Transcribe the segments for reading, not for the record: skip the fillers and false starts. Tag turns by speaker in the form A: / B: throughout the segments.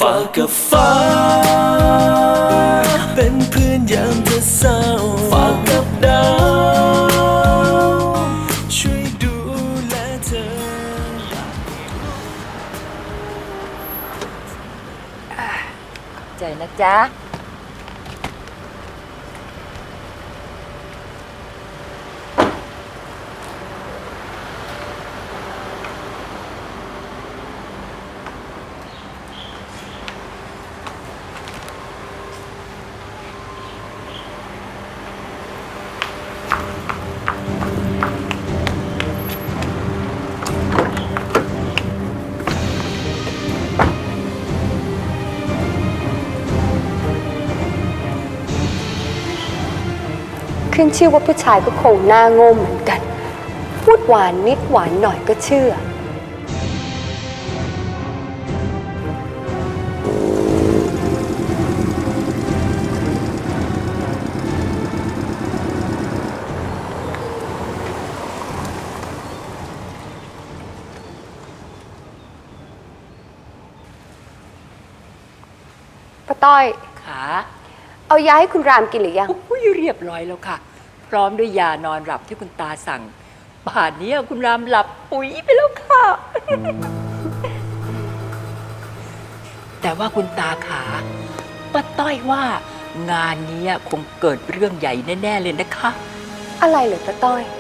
A: ฝากกับฟ้าเป็นเพื่อนยามเธอเศร้าฝากกับดาวช่วยดูแลเธอ
B: ใจนะจ๊ะ
C: ขึ้นชื่อว่าผู้ชายก็คงหน้าโง่เหมือนกันพูดหวานนิดหวานหน่อยก็เชื่อป้าต้อย
B: ค่ะ
C: เอายาให้คุณรามกินหรือยัง
B: เรียบร้อยแล้วค่ะพร้อมด้วยยานอนหลับที่คุณตาสั่งป่านนี้คุณรามหลับปุ๋ยไปแล้วค่ะ แต่ว่าคุณตาขาป้าต้อยว่างานนี้คงเกิดเรื่องใหญ่แน่ๆเลยนะคะ
C: อะไรเหรอป้าต้อย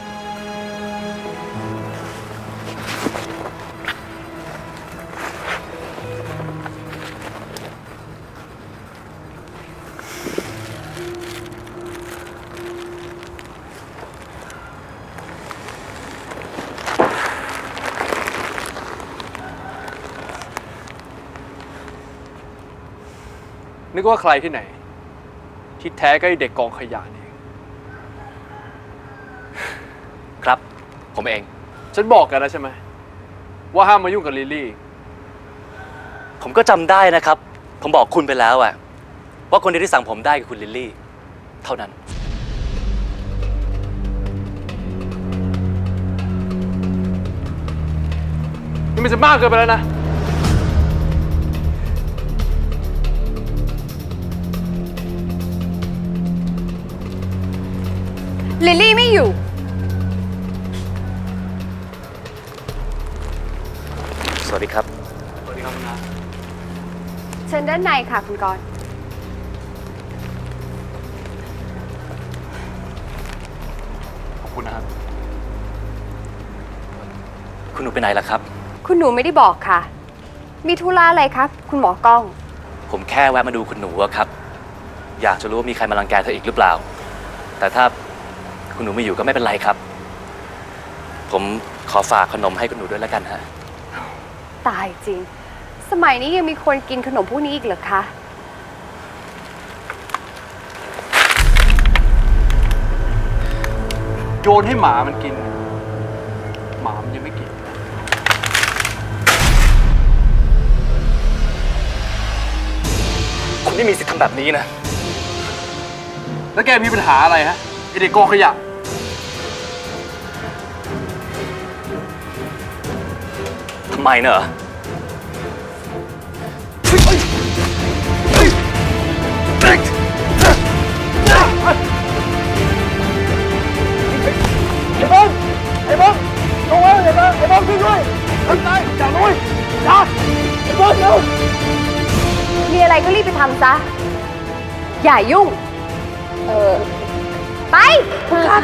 D: นึกว่าใครที่ไหนที่แท้ก็ไอเด็กกองขยะนี่
E: ครับผมเอง
D: ฉันบอกกันแล้วใช่ไหมว่าห้ามมายุ่งกับลิลลี่
E: ผมก็จำได้นะครับ ผมบอกคุณไปแล้วอะว่าคนเดียวที่สั่งผมได้คือคุณลิลลี่เท่านั้น
D: นี่มันจะมากเกินไปแล้วนะ
C: ลิลลี่ไม่อยู่
E: สวัสดีครับ
D: สวัสดีครับคุณน้า
C: เชิญด้านในค่ะคุณกรณ์
D: ขอบคุณนะครับ
E: คุณหนูไปไหนล่ะครับ
C: คุณหนูไม่ได้บอกค่ะมีธุระอะไรครับคุณหมอกล้อง
E: ผมแค่แวะมาดูคุณหนูอะครับอยากจะรู้ว่ามีใครมารังแกเธออีกหรือเปล่าแต่ถ้าคุณหนูไม่อยู่ก็ไม่เป็นไรครับผมขอฝากขนมให้คุณหนูด้วยแล้วกันฮะ
C: ตายจริงสมัยนี้ยังมีคนกินขนมพวกนี้อีกเหรอคะ
D: โยนให้หมามันกินหมามันยังไม่กิน
E: คุณไม่มีสิทธิ์ทำแบบนี้นะ
D: แล้วแกมีปัญหาอะไรฮะไอเด็กกองขยะ
E: ทำไมเนอะ
D: ไอ้บอลลงมาไอ้บอลช่วยด้วยทำไมอย่าลุยอย่าไอ้บอลเร็ว
C: มีอะไรก็รีบไปทำซะอย่ายุ่งไปค่ะ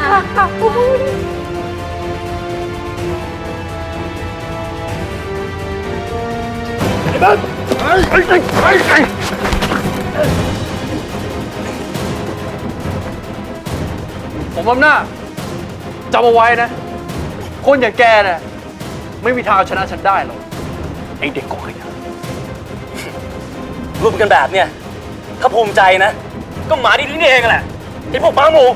D: ไอ้บอลผมอำนาจจำเอาไว้นะคนอย่างแกเนี่ยไม่มีทางเอาชนะฉันได้หรอกไอ้เด็กกองขยะ
E: รวมกันแบบเนี่ยถ้าภูมิใจนะก็หมาดีนี่เองแหละไอ้พวกม้าหมู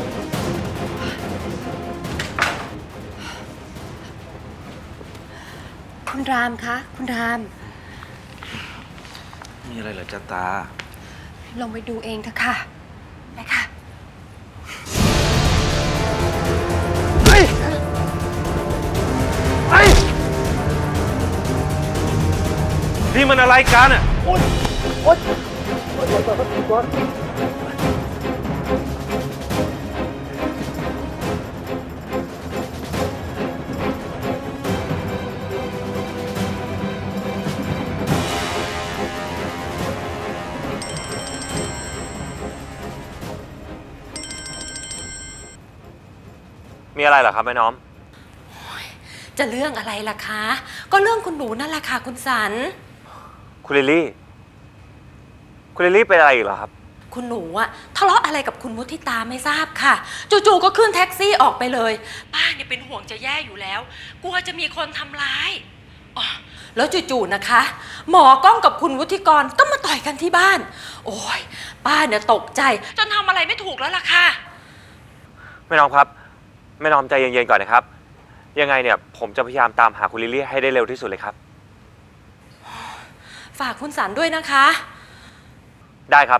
C: คุณรามคะคุณราม
F: มีอะไรเหรอจ๊ะตา
C: ลงไปดูเองเถอะค่ะไปค่ะ
F: นี่มันอะไรกันอ่ะมีอะไรเหรอครับแม่น้อม
G: จะเรื่องอะไรล่ะคะ ก็เรื่องคุณหนูนั่นแหละค่ะคุณสัน
F: คุณลิลลี่ คุณลิลลี่เป็นอะไรอีกเหรอครับ
G: คุณหนูอะทะเลาะอะไรกับคุณมุทิตาไม่ทราบค่ะ จู่ๆก็ขึ้นแท็กซี่ออกไปเลยป้าเนี่ยเป็นห่วงจะแย่อยู่แล้วกลัวจะมีคนทำร้ายอ๋อแล้วจู่ๆนะคะ หมอกล้องกับคุณวุฒิกรก็มาต่อยกันที่บ้าน โอ้ยป้าเนี่ยตกใจจนทำอะไรไม่ถูกแล้วล่ะค่ะ
F: แม่น้อมครับแม่น้อมใจเย็นๆก่อนนะครับ ยังไงเนี่ยผมจะพยายามตามหาคุณลิลลี่ให้ได้เร็วที่สุดเลยครับ
G: ฝากคุณสันด้วยนะคะ
F: ได้ครับ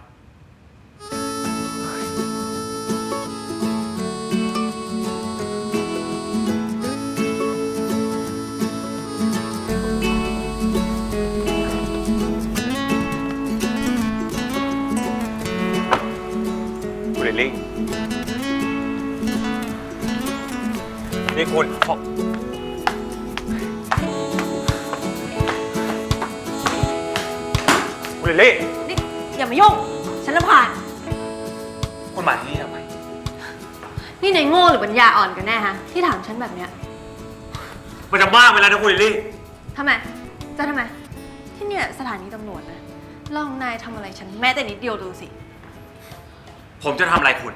F: คุณลิลลี่ นี่คุณคุณลิลลี่
C: นี่อย่ามายุ่ง ฉันรำคาญ
F: คุณมาที่นี่ทำไม
C: นี่นายโง่หรือปัญญาอ่อนกันแน่ฮะ ที่ถามฉันแบบเนี้ย
F: มันจะมากไปแล้วนะคุณลิลลี่
C: ทำไม จะทำไม ที่เนี่ยสถานีตำรวจนะ ลองนายทำอะไรฉันแม้แต่นิดเดียวดูสิ
F: ผมจะทำอะไรคุณ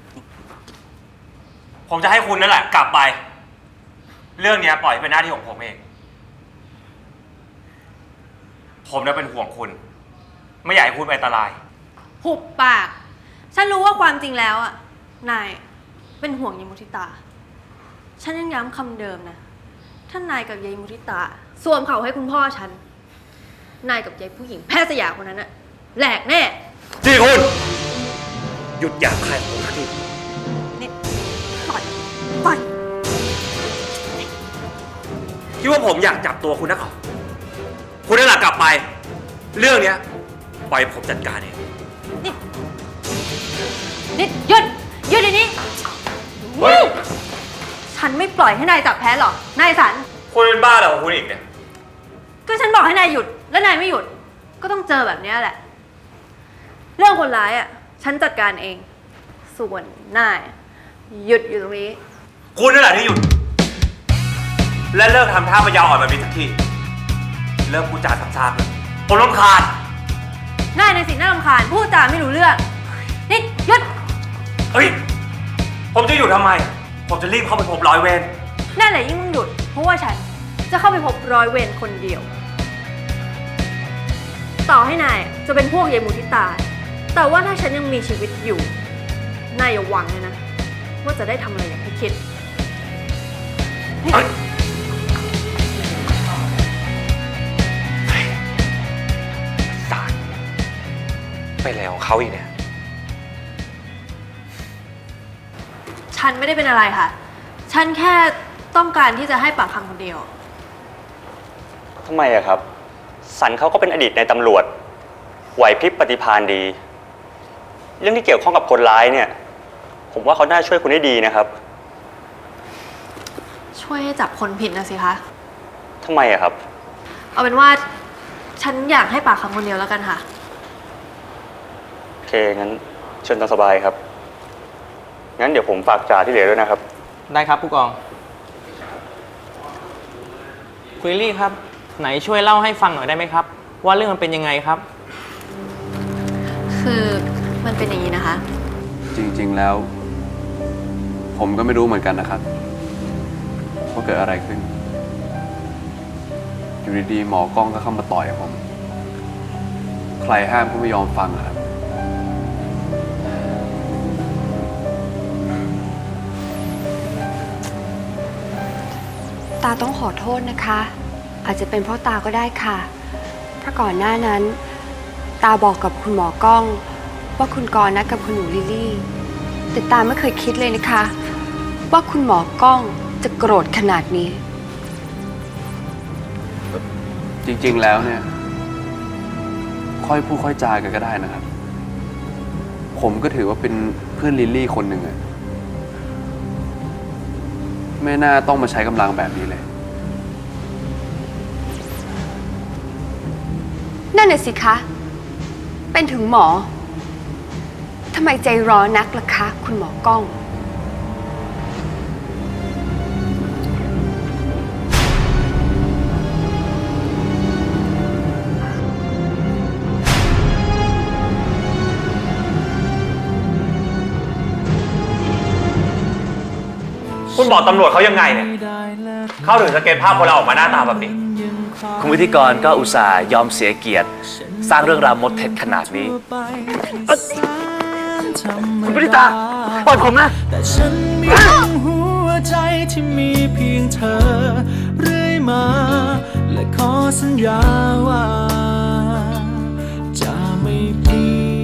F: ผมจะให้คุณนั่นแหละกลับไป เรื่องนี้ปล่อยให้เป็นหน้าที่ของผมเอง ผมน่ะเป็นห่วงคุณ ไม่อยากให้คุณเป็นอันตราย
C: หุบปาก ฉันรู้ว่าความจริงแล้วอ่ะ นายเป็นห่วงยายมุทิตา ฉันยังย้ำคำเดิมนะ ถ้านายกับยายมุทิตาสวมเขาให้คุณพ่อฉัน นายกับยายผู้หญิงแพทย์สยามคนนั้นอะแหลกแน่
F: ที่คุณ หยุดหยาบคายของผมสักที
C: นี่ปล่อยปล่อย
F: คิดว่าผมอยากจับตัวคุณนักเหรอคุณนั่นแหละกลับไป เรื่องเนี้ยปล่อยผมจัดการเอง
C: นี่หยุดเดี๋ยวนี้ฉันไม่ปล่อยให้นายจับแพ้หรอก นายสัน
F: คุณเป็นบ้าเหรอของคุณอีกเนี่ย
C: ก็ฉันบอกให้นายหยุด แล้วนายไม่หยุด ก็ต้องเจอแบบนี้แหละ เรื่องคนร้ายอ่ะ ฉันจัดการเอง ส่วนนายหยุดอยู่ตรงนี้
F: คุณนั่นแหละที่หยุด และเลิกทำท่าปัญญาอ่อนแบบนี้สักที เลิกพูดจาซ้ำๆเลยผมรำคาญ
C: นายในสิ่งน่ารำคาญพูดจาไม่รู้เรื่อง นี่หยุด
F: เฮ้ย ผมจะหยุดทำไม ผมจะรีบเข้าไปพบร้อยเวร
C: นั่นแหละยิ่งต้องหยุด เพราะว่าฉันจะเข้าไปพบร้อยเวรคนเดียว ต่อให้นายจะเป็นพวกยายมุทิตา แต่ว่าถ้าฉันยังมีชีวิตอยู่ นายอย่าหวังเลยนะ ว่าจะได้ทำอะไรอย่างที่คิด
F: เฮ้ยสารไปแล้วเขาอีกเนี่ย
C: ฉันไม่ได้เป็นอะไรค่ะ ฉันแค่ต้องการที่จะให้ปากคำคนเดียว
H: ทำไมอะครับ สันเขาก็เป็นอดีตในตำรวจไหวพริบปฏิภาณดี เรื่องที่เกี่ยวข้องกับคนร้ายเนี่ย ผมว่าเขาน่าช่วยคุณได้ดีนะครับ
C: ช่วยให้จับคนผิดนะสิคะ
H: ทำไมอะครับ
C: เอาเป็นว่าฉันอยากให้ปากคำคนเดียวแล้วกันค่ะ
H: โอเค งั้นเชิญตามสบายครับ งั้นเดี๋ยวผมฝากจ่าที่เหลือด้วยนะครับ
I: ได้ครับผู้กองคุณลิลลี่ครับ ไหนช่วยเล่าให้ฟังหน่อยได้ไหมครับ ว่าเรื่องมันเป็นยังไงครับ
C: คือมันเป็นอย่างนี้นะคะ
J: จริงๆแล้ว ผมก็ไม่รู้เหมือนกันนะครับว่าเกิดอะไรขึ้น อยู่ดีๆหมอกล้องก็เข้ามาต่อยผม ใครห้ามก็ไม่ยอมฟังอะครับ
C: ตาต้องขอโทษนะคะ อาจจะเป็นเพราะตาก็ได้ค่ะ เพราะก่อนหน้านั้น ตาบอกกับคุณหมอกล้อง ว่าคุณกรณ์นัดกับคุณหนูลิลลี่แต่ตาไม่เคยคิดเลยนะคะ ว่าคุณหมอกล้องจะโกรธขนาดนี้
J: จริงๆแล้วเนี่ยค่อยพูดค่อยจากันก็ได้นะครับ ผมก็ถือว่าเป็นเพื่อนลิลลี่คนหนึ่งอะไม่น่าต้องมาใช้กำลังแบบนี้เลย
C: นั่นน่ะสิคะ เป็นถึงหมอ ทำไมใจร้อนนักล่ะคะ คุณหมอกล้อง
F: คุณบอกตำรวจเขายังไงเนี่ย เข้าถึงสเก็ตภาพคนเราออกมาหน้าตาแบบนี้
E: คุณวิธีกรก็อุตส่าห์ยอมเสียเกียรติ สร้างเรื่องราวมดเท็จขนาดนี้
A: คุณพิตาปล่อยผมนะ แต่ฉันมีหัวใจที่มีเพียงเธอเรื่อยมา และขอสัญญาว่า